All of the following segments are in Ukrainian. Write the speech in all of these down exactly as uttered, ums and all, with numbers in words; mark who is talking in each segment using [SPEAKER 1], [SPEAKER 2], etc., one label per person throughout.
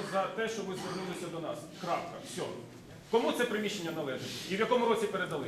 [SPEAKER 1] за те, що ви звернулися до нас. Крапка. Все. Кому це приміщення належить? І в якому році передали?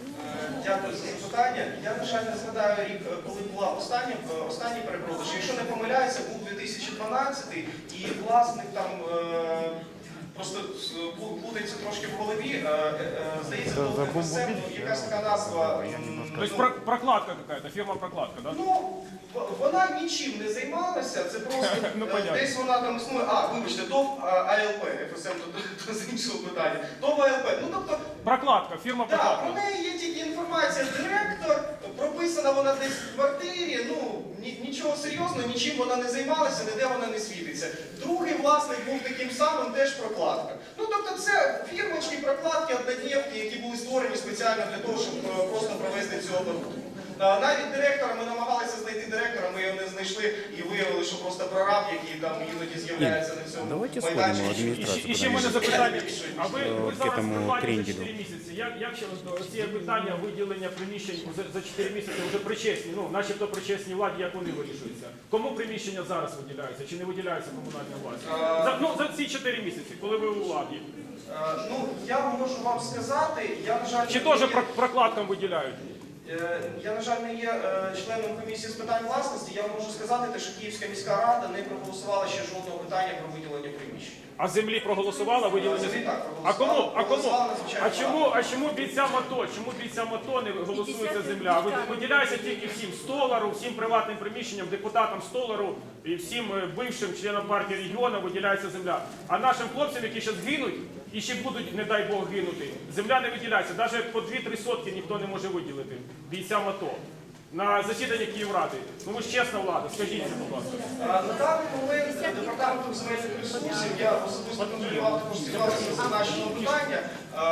[SPEAKER 2] Дякую за запитання. Я, на жаль, не згадаю рік, коли була остання, останній перепродаж. Якщо не помиляюся, був дві тисячі дванадцятий, і власник там е, просто плутається трошки в голові. Е, е, здається, було еф ес ем, якась така назва.
[SPEAKER 1] Тобто про- прокладка якась, фірма прокладка, так?
[SPEAKER 2] Ну, вона нічим не займалася, це просто
[SPEAKER 1] Ну,
[SPEAKER 2] е,
[SPEAKER 1] понятно.
[SPEAKER 2] десь вона там існує. А, вибачте, ТОВ а ел пе, еф ес ем, то, то з іншого питання. ТОВ а ел пе. Ну, тобто,
[SPEAKER 1] Прокладка, фірма
[SPEAKER 2] так, про
[SPEAKER 1] прокладка.
[SPEAKER 2] неї є тільки інформація. Директор, прописана вона десь в квартирі, ну, ні- нічого серйозного, нічим вона не займалася, ніде вона не світиться. Другий власник був таким самим, теж прокладка. Ну, тобто це фірмочки, прокладки, однодневки, які були створені спеціально для того, щоб е, просто провести цю оборудку. А, Навіть директора, ми намагалися знайти директора, ми його не знайшли і виявили, що просто прораб, який там іноді з'являється на цьому
[SPEAKER 3] Давайте
[SPEAKER 2] майданчику.
[SPEAKER 3] сходимо в
[SPEAKER 1] І ще,
[SPEAKER 3] адміністрацію.
[SPEAKER 1] і ще в мене запитання. А ви, ви
[SPEAKER 3] К
[SPEAKER 1] зараз
[SPEAKER 3] этому
[SPEAKER 1] придбали за
[SPEAKER 3] кренделю.
[SPEAKER 1] чотири місяці. Як, як ще ці питання виділення приміщень за, за чотири місяці вже причесні, ну, начебто причесні владі, як вони вирішуються? Кому приміщення зараз виділяються чи не виділяються комунальна власність? За, ну, за ці чотири місяці, коли ви у владі.
[SPEAKER 2] А, Ну, я можу вам сказати, я, на жаль,
[SPEAKER 1] Чи
[SPEAKER 2] не
[SPEAKER 1] теж
[SPEAKER 2] є-
[SPEAKER 1] про- прокладкам виділяють?
[SPEAKER 2] Е, Я, на жаль, не є е, членом комісії з питань власності. Я можу сказати, те, що Київська міська рада не проголосувала ще жодного питання про виділення приміщень.
[SPEAKER 1] А землі проголосувала виділення?
[SPEAKER 2] Землі так
[SPEAKER 1] А
[SPEAKER 2] проголосувала,
[SPEAKER 1] кому? А кому?
[SPEAKER 2] проголосувала надзвичайно
[SPEAKER 1] А чому?
[SPEAKER 2] багато.
[SPEAKER 1] А чому бійцям АТО? Чому бійцям АТО не голосується земля? Ви- Виділяється тільки всім столару, всім приватним приміщенням, депутатам столару і всім е, бившим членам партії регіону виділяється земля. А нашим хлопцям, які зараз гинуть і ще будуть, не дай Бог, гинути, земля не виділяється. Навіть по дві-три сотки ніхто не може виділити бійцям АТО. На засіданні Київради. Ну ви ж чесна влада, скажіть, будь ласка.
[SPEAKER 2] А, На даний момент департаментом земельних ресурсів, я особисто контролював також ситуацію зазначеного питання.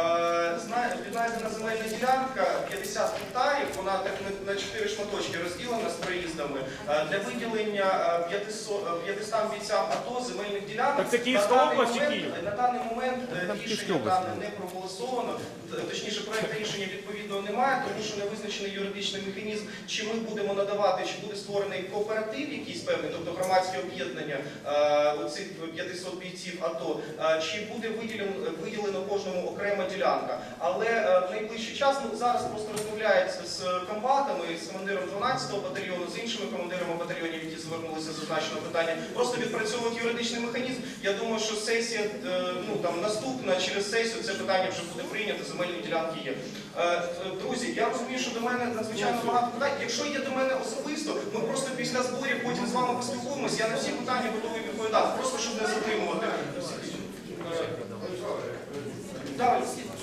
[SPEAKER 2] Е, зна- Віднайдена земельна ділянка п'ятдесят гектарів, вона так на- на чотири шматочки розділена з проїздами. Е, Для виділення е, п'ятисот п'ятистам бійцям АТО земельних ділянок.
[SPEAKER 1] Так це Київська
[SPEAKER 2] на даний
[SPEAKER 1] область чи
[SPEAKER 2] момент-
[SPEAKER 1] Київ?
[SPEAKER 2] На даний момент е,
[SPEAKER 3] Там
[SPEAKER 2] рішення
[SPEAKER 3] Київська область.
[SPEAKER 2] дане не проголосовано, т- точніше проект рішення відповідного немає, тому що не визначений юридичний механізм, чи ми будемо надавати, чи буде створений кооператив якийсь певний, тобто громадське об'єднання е, оцих п'ятисот бійців АТО, е, чи буде виділено, виділено кожному окрема ділянка. Але е, в найближчий час, ну зараз просто розмовляється з комбатами, з командиром дванадцятого батальйону, з іншими командирами батальйонів, які звернулися з зазначеного питання, просто відпрацьовують юридичний механізм. Я думаю, що сесія, е, ну там наступна, через сесію це питання вже буде прийнято, земельні ділянки є. Е, Друзі, я розумію, що до мене надзвичайно багато питань. Якщо є до мене особисто, ми просто після зборів потім з вами поспілкуємось. Я на всі питання готовий відповідати, просто щоб не затримувати. Е, Далі.